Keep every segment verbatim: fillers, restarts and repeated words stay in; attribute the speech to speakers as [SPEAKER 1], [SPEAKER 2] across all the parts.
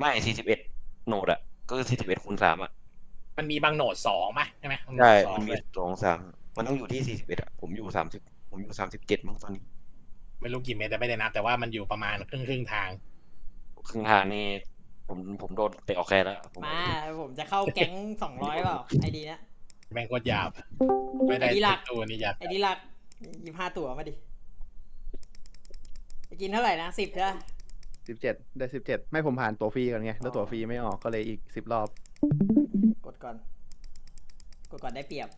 [SPEAKER 1] ไม่สี่สิบเอ็ดโหนดอะก็คือสี่สิบเอ็ดคูณสามอะ
[SPEAKER 2] มันมีบางโหนดสองป่ะใช่ไหม
[SPEAKER 1] ใช่
[SPEAKER 2] สอง
[SPEAKER 1] มันมี
[SPEAKER 2] เลย
[SPEAKER 1] สองสามมันต้องอยู่ที่สี่สิบเอ็ดอะผมอยู่สามสิบผมอยู่สามสิบเจ็ดมั้งตอนนี้
[SPEAKER 2] ไม่รู้กี่เมตรแต่ไม่ได้นับแต่ว่ามันอยู่ประมาณครึ่งครึ่งทาง
[SPEAKER 1] ครึ่งทางนี่ผมผมโดนเตะออกแคร์แล้วผม
[SPEAKER 3] มาผมจะเข้าแก๊งสองร้อยเปล่าไอดีนะ
[SPEAKER 2] แม่งโคตรหยาบไม่ได้
[SPEAKER 3] ไอดีหลัก
[SPEAKER 2] ตัวนี้หยาบ
[SPEAKER 3] ไอดีหลักยี่ห้าตั๋วมาดิไปกินเท่าไหร่นะสิบใช่ไหม
[SPEAKER 4] สิบเจ็ดได้สิบเจ็ดไม่ผมผ่านตัวฟรีก่อนไงแล้วตัวฟรีไม่ออกก็เลยอีกสิบรอบ
[SPEAKER 3] กดก่อนกดก่อนได้เปรียบ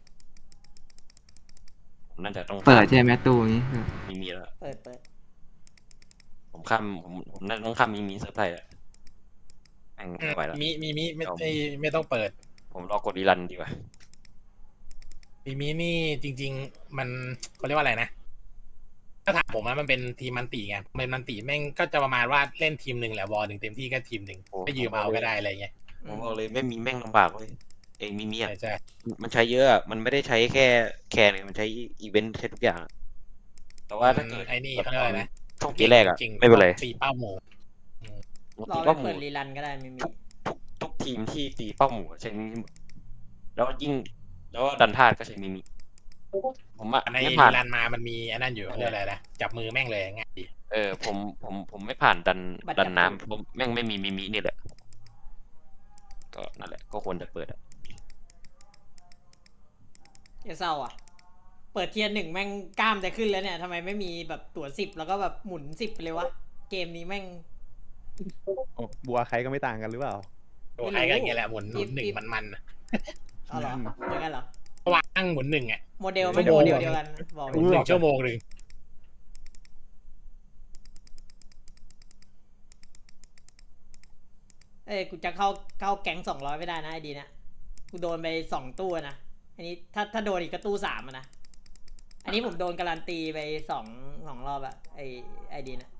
[SPEAKER 1] ผมน่าจะต้อง
[SPEAKER 5] เปิดใช่ไหมตู้นี้
[SPEAKER 1] มีมีแล้ว
[SPEAKER 3] เปิดเปิด
[SPEAKER 1] ผมข้ามผมผมน่าจะต้องข้ามมีมีเซิร์ฟไทยอะแม่งไม่ไหวแล้ว
[SPEAKER 2] มีมีมีไม่ไม่ไม่ต้องเปิด
[SPEAKER 1] ผมรอกดรีรันดีกว่า
[SPEAKER 2] มีมีนี่จริง ๆ มันเขาเรียกว่าอะไรนะถ้าถามผมนะมันเป็นทีมมันตีไงเป็นมันตีแม่งก็จะประมาณว่าเล่นทีมหนึ่งแหละวอลหนึ่งเต็มที่ก็ทีมหนึ่งก็ยืมเอาก็ได้อะไรเงี้ย
[SPEAKER 1] ผมบอกเลยไม่มีแม่งลำบากเลยเองมีมีอะ
[SPEAKER 2] ใช่ใช่
[SPEAKER 1] มันใช้เยอะอะมันไม่ได้ใช้แค่แคร์เลยมันใช้อีเวนต์ใช้ทุกอย่างอะแต่ว่าถ้าเกิด
[SPEAKER 2] ไอ้นี่เขาเรียกว่าอะไรนะ
[SPEAKER 1] ช่วงปีแรกอะ
[SPEAKER 2] จริงๆ
[SPEAKER 1] ไม่เป็นไร
[SPEAKER 2] ตีเป้าหมู
[SPEAKER 3] รอ
[SPEAKER 1] ตี
[SPEAKER 3] ไป
[SPEAKER 1] เป้าหมู
[SPEAKER 3] เปิดรีรันก็ได้ไม่มี
[SPEAKER 1] ทุกทุกทีมที่ตีเป้าหมูใช้มิมิหมดแล้วยิ่งแล้วดันพลาดก็ใช้มิมิผมอะ
[SPEAKER 2] ใน
[SPEAKER 1] ไม่
[SPEAKER 2] รี
[SPEAKER 1] ผ่าน
[SPEAKER 2] รันมามันมีอันนั้นอยู่เรียกอะไรนะจับมือแม่งเลยง่ายดี
[SPEAKER 1] เออผมผมผมไม่ผ่านดันดันน้ำผมแม่งไม่มีมิมินี่แหละก็นั่นแหละก็ควรจะเปิดอะ
[SPEAKER 3] อย่าเศร้าอ่ะ เปิดเทียร์หนึ่งแม่งกล้ามจะขึ้นแล้วเนี่ยทำไมไม่มีแบบตั๋วสิบแล้วก็แบบหมุนสิบไปเลยวะเกมนี้แม่ง
[SPEAKER 4] โอ้บัวใครก็ไม่ต่างกันหรือเปล่า
[SPEAKER 2] ตัวใครก็อย่างเงี้ยแหละหมุนหมุนหนึ่งมันมันๆอะ
[SPEAKER 3] เอาเหรออย่างนั้นเหรอ
[SPEAKER 2] วางหมุนหนึ่งอ่ะ
[SPEAKER 3] โมเดลไม่โมเดลเดียวกันบอก
[SPEAKER 2] ห
[SPEAKER 3] เล
[SPEAKER 2] มุน
[SPEAKER 3] ย
[SPEAKER 2] หนึ่งชั่วโมงหนึ่ง
[SPEAKER 3] เอ้ยกูจะเข้าเข้าแก๊งสองร้อยไม่ได้นะไอดีนะกูโดนไปสองตู้นะอันนี้ถ้าถ้าโดนอีกก็ตู้สามอะนะอันนี้ผมโดนการันตีไปสองสองรอบอะไอไอดีนะ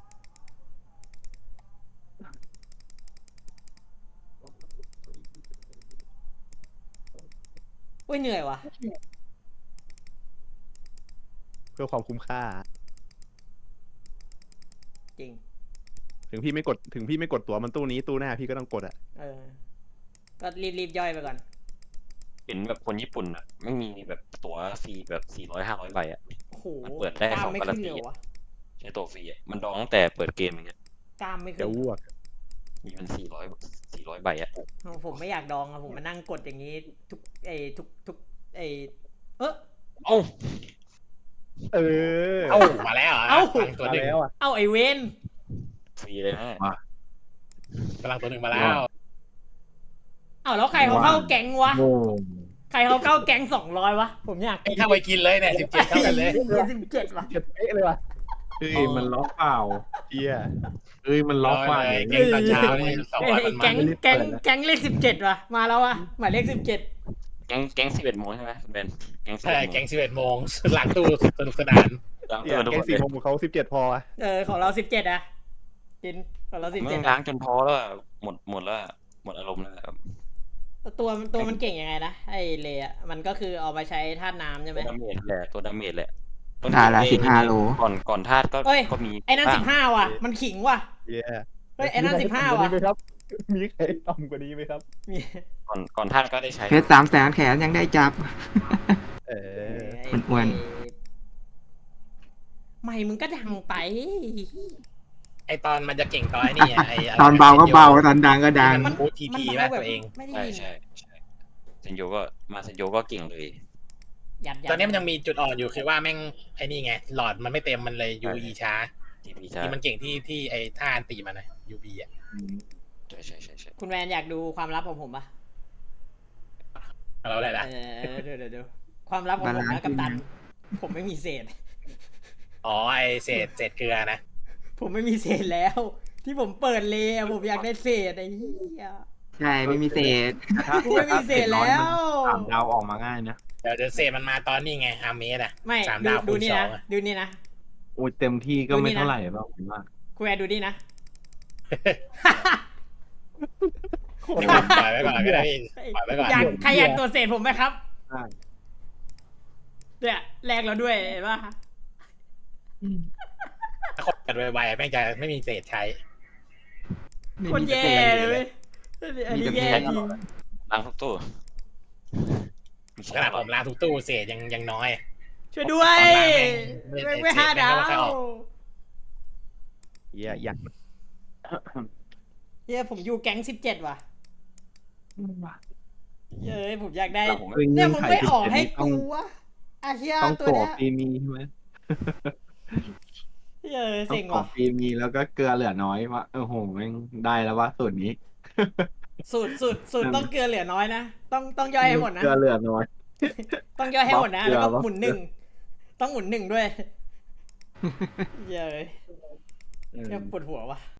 [SPEAKER 3] อุ้ยเหนื่อยวะ
[SPEAKER 4] เพื่อความคุ้มค่า
[SPEAKER 3] จริง
[SPEAKER 4] ถึงพี่ไม่กดถึงพี่ไม่กดตั๋วมันตู้นี้ตู้หน้าพี่ก็ต้องกดอะ
[SPEAKER 3] เออ ก็รีบรีบย่อยไปก่อน
[SPEAKER 1] เห็นแบบคนญี่ปุ่นอะไม่มีแบบตั๋วฟรีแบบสี่ร้อยห้าร้อยใบอะ
[SPEAKER 3] โอ้โห
[SPEAKER 1] มันเปิดได้
[SPEAKER 3] กล้า
[SPEAKER 1] ส
[SPEAKER 3] ม
[SPEAKER 1] อง
[SPEAKER 3] ไม่
[SPEAKER 1] การัน
[SPEAKER 3] ขึ้น
[SPEAKER 1] ตี
[SPEAKER 3] เลยเหรอวะ
[SPEAKER 1] ใช้ตัวฟรีอะมันดองตั้งแต่เปิดเกมอย่างเงี้ย
[SPEAKER 3] กล้ามไม่ขึ้
[SPEAKER 4] จะ
[SPEAKER 3] น
[SPEAKER 4] อ้วก
[SPEAKER 1] มีมันสี่ร้อยสี่ร้อยใบอะ
[SPEAKER 3] ผมไม่อยากดองอะผมมานั่งกดอย่างนี้ ทุกไอทุกทุกไอเออ
[SPEAKER 1] เอ้า
[SPEAKER 4] เออ
[SPEAKER 2] เอ้ามาแล้วเหรอ
[SPEAKER 3] เอ้า
[SPEAKER 2] พลังตัว
[SPEAKER 4] มา
[SPEAKER 2] หนึ่ง
[SPEAKER 4] แล้วอ่ะ
[SPEAKER 3] เอ้าไอเวน
[SPEAKER 1] ฟรีเลยนะ
[SPEAKER 2] พลังตัวหนึ่งมาแล้ว
[SPEAKER 3] เอ้าแล้วใครเขาเข้าแก๊งวะ ใครเขาเข้าแก๊งสองร้อยวะ ผมอยาก
[SPEAKER 2] ไอ้เข้าไปกินเลยเนี่ยสิบเจ็ดเท่ากันเลย
[SPEAKER 3] สิบเจ็ดวะ
[SPEAKER 4] เจ็ดเป๊ะเลยว่ะ
[SPEAKER 6] เฮ้ยมันล็อกเปล่า
[SPEAKER 4] เฮีย
[SPEAKER 6] เฮ้ยมันล็อกเปล่า
[SPEAKER 2] เลย
[SPEAKER 6] เนี่ย
[SPEAKER 2] เก่งตอนเช้านี่สอง
[SPEAKER 3] เอ้
[SPEAKER 2] ร้อย
[SPEAKER 3] ย
[SPEAKER 2] มัน
[SPEAKER 3] แก๊ง
[SPEAKER 2] มัน
[SPEAKER 3] แก๊งแก๊งเลขสิบเจ็ดวะมาแล้ววะหมายเลขสิบเจ็ด
[SPEAKER 1] แก๊งแก๊งสิบเอ็ดโมงใช่ไหมคุณเบนแก๊งสิบ
[SPEAKER 2] ใช่
[SPEAKER 1] เอ็ดโมง
[SPEAKER 2] แก๊งสิบเอ็ดโมงหลังตู้สนุกสนาน
[SPEAKER 1] ล้าง
[SPEAKER 4] เฮี
[SPEAKER 1] ตั
[SPEAKER 4] ยว
[SPEAKER 1] ทุก
[SPEAKER 4] แก
[SPEAKER 1] ค
[SPEAKER 4] ง
[SPEAKER 1] น
[SPEAKER 4] สี่
[SPEAKER 1] เลย
[SPEAKER 4] โมงของเขาสิบเจ็ดพออะ
[SPEAKER 3] เออของเราสิบเจ็ดอะกินของเราสิบ
[SPEAKER 1] มึ
[SPEAKER 3] เจ็ด
[SPEAKER 1] งล้างจนพอแล้วอะหมดหมดแล้วอะหมดอารมณ์แล้วอะ
[SPEAKER 3] ตัวตัวมันเก่งยังไงนะไอเลอะมันก็คือเอามาใช้ธาตุน้ำใช่ไหม
[SPEAKER 1] ตัวดาเมจแหละตัวดาเมจแหละ
[SPEAKER 5] ตาละสิบห้าโล
[SPEAKER 1] ก่อนก่อนธาตุก็
[SPEAKER 3] เอ้ย
[SPEAKER 1] ก็มี
[SPEAKER 3] ไอ้นั่น
[SPEAKER 1] บ้า
[SPEAKER 3] สิ
[SPEAKER 1] ง
[SPEAKER 3] บห้าว่ะ มันขิงว่ะ
[SPEAKER 4] เฮีย
[SPEAKER 3] เฮ้ยไอ้นั่นสิบห้า
[SPEAKER 4] มี
[SPEAKER 3] ว่ะ
[SPEAKER 4] ใครต่ำกว่านี้ไหมครับ มีใครต่ำกว่านี้ไหมครับ
[SPEAKER 3] มี
[SPEAKER 1] ก่อนก่อนธาตุก็ได้ใช้
[SPEAKER 5] เพชรสามแสนแขนยังได้จับ
[SPEAKER 4] เออ
[SPEAKER 3] ไ
[SPEAKER 5] มันอ้วน
[SPEAKER 3] ไม่มึงก็ดังไป
[SPEAKER 2] ไอตอนมันจะเก่งตอนไอ้นี่อะไอะไร
[SPEAKER 5] ตอนเบาก็เบาตอนดังก็ดัง
[SPEAKER 2] มันพูดทีที
[SPEAKER 3] มัน
[SPEAKER 2] แม่
[SPEAKER 3] แบบ
[SPEAKER 2] ตัวเอง
[SPEAKER 3] ไม่ได้
[SPEAKER 1] ใช่
[SPEAKER 3] ยิน
[SPEAKER 1] ใช่ใช่เซนโยก็มาเซนโยก็เก่งเลย
[SPEAKER 3] ยัดยัด
[SPEAKER 2] ตอนนี้มันยังมีจุดอ่อนอยู่คือว่าแม่งไอ้นี่ไงหลอดมันไม่เต็มมันเลยยูอีช้า
[SPEAKER 1] ทีพีช้า
[SPEAKER 2] ที่มันเก่งที่ที่ไอ้ท่าอันตีมันนะยูบีอ่ะ
[SPEAKER 1] ใช่ใช่ใช่ใช่
[SPEAKER 3] คุณแวนอยากดูความลับของผมปะ
[SPEAKER 2] เราอะไรล่ะ
[SPEAKER 3] เออเดี๋ยวเดี๋ยวเดี๋ยวความลับของผม
[SPEAKER 5] บาลาน
[SPEAKER 3] นะ
[SPEAKER 5] ซ์
[SPEAKER 3] กัปตัน ผมไม่มีเศษ
[SPEAKER 2] อ๋อไอเศษเศษเกลือนะ
[SPEAKER 3] ผมไม่มีเศษแล้ว ที่ผมเปิดเลยอะผมอยากได้เศษไอ้เหี้ย
[SPEAKER 5] ใช่ไม่มีเศษ
[SPEAKER 3] กูไม่มีเศษแล้ว
[SPEAKER 6] สามดาวออกมาง่ายนะ
[SPEAKER 2] เดี๋ยวเดี๋ยวเศษมันมาตอนนี้ไงอาร์เมสอ่ะ
[SPEAKER 3] ไม่
[SPEAKER 2] สาม
[SPEAKER 3] ดู
[SPEAKER 2] ดาว
[SPEAKER 3] ดู
[SPEAKER 2] คูณ
[SPEAKER 3] นี่
[SPEAKER 2] สอ
[SPEAKER 3] นะ
[SPEAKER 2] งอะ
[SPEAKER 3] ดูนี่นะ
[SPEAKER 6] โอ้ยเต็มที่ก็
[SPEAKER 3] ดูนี่
[SPEAKER 6] ไม่
[SPEAKER 3] นะ
[SPEAKER 6] เท่าไหร่หรอกผมว่า
[SPEAKER 3] คุณแวนดูนี่นะ
[SPEAKER 2] ปล่อยไว้ก่อนก็ได้ปล่อยไว้ก่อน
[SPEAKER 3] อยากใครอยากตรวจเศษผมไหมครับ
[SPEAKER 6] ได้
[SPEAKER 3] เนี่ยแลกเราด้วยเห็นปะ
[SPEAKER 2] ถ้าคนกันไวๆแม่งจะไม่มีเศษใช้
[SPEAKER 5] ไม่
[SPEAKER 3] คน
[SPEAKER 5] มี
[SPEAKER 3] แย่
[SPEAKER 5] เศษ
[SPEAKER 3] เลยเว้ยอันนี้แย่จริง
[SPEAKER 1] ล้างทุกตู้
[SPEAKER 2] ขนาดผมล้างทุกตู้เศษยังยังน้อย
[SPEAKER 3] ช่วยด้วย
[SPEAKER 2] ไม่
[SPEAKER 3] ไม่
[SPEAKER 2] ไม่
[SPEAKER 3] ไม่ห้า
[SPEAKER 2] เศษแม่
[SPEAKER 3] ดาง
[SPEAKER 2] ก็ไม่ค่อยอ
[SPEAKER 3] ว
[SPEAKER 2] อก
[SPEAKER 4] เหี้ยอยาก
[SPEAKER 3] เย้ยผมอยู่แก๊งสิบเจ็ดว่ะเย้ยผมอยากได้
[SPEAKER 1] แล้วผม
[SPEAKER 6] เฮ้ย
[SPEAKER 3] เนี่
[SPEAKER 6] เงื่
[SPEAKER 3] ย
[SPEAKER 6] อน
[SPEAKER 3] มึง
[SPEAKER 6] ไข
[SPEAKER 3] ไม่
[SPEAKER 6] สิบ
[SPEAKER 3] ออก
[SPEAKER 6] เจ็ด
[SPEAKER 3] ให้
[SPEAKER 6] นี่ต้อง
[SPEAKER 3] กูวะอาเฮีย
[SPEAKER 6] ต้อง
[SPEAKER 3] ตัว
[SPEAKER 6] ตัว
[SPEAKER 3] เนี้ย
[SPEAKER 6] ฟรีมีใช่ไหม
[SPEAKER 3] เย้ย
[SPEAKER 6] ต้อง
[SPEAKER 3] เซ็ง
[SPEAKER 6] ขอ
[SPEAKER 3] ว่ะ
[SPEAKER 6] ฟรีมีแล้วก็เกลือเหลือน้อยว่าโอ้โหแม่งได้แล้วว่าสูตรนี้
[SPEAKER 3] สูตรสูตรสูตรต้องเกลือเหลือน้อยนะต้องต้องย่อยให้หมดนะ
[SPEAKER 6] เกลือเหลือน้อย
[SPEAKER 3] ต้องย่อยให้หมดนะ
[SPEAKER 6] บล็อกเกลือ
[SPEAKER 3] แล้วก็
[SPEAKER 6] บล็อก
[SPEAKER 3] หมุนหนึ่งต้องหมุนหนึ่งด้วยเย้ย
[SPEAKER 6] เออ
[SPEAKER 3] เนี่ยปวดหัวว่ะ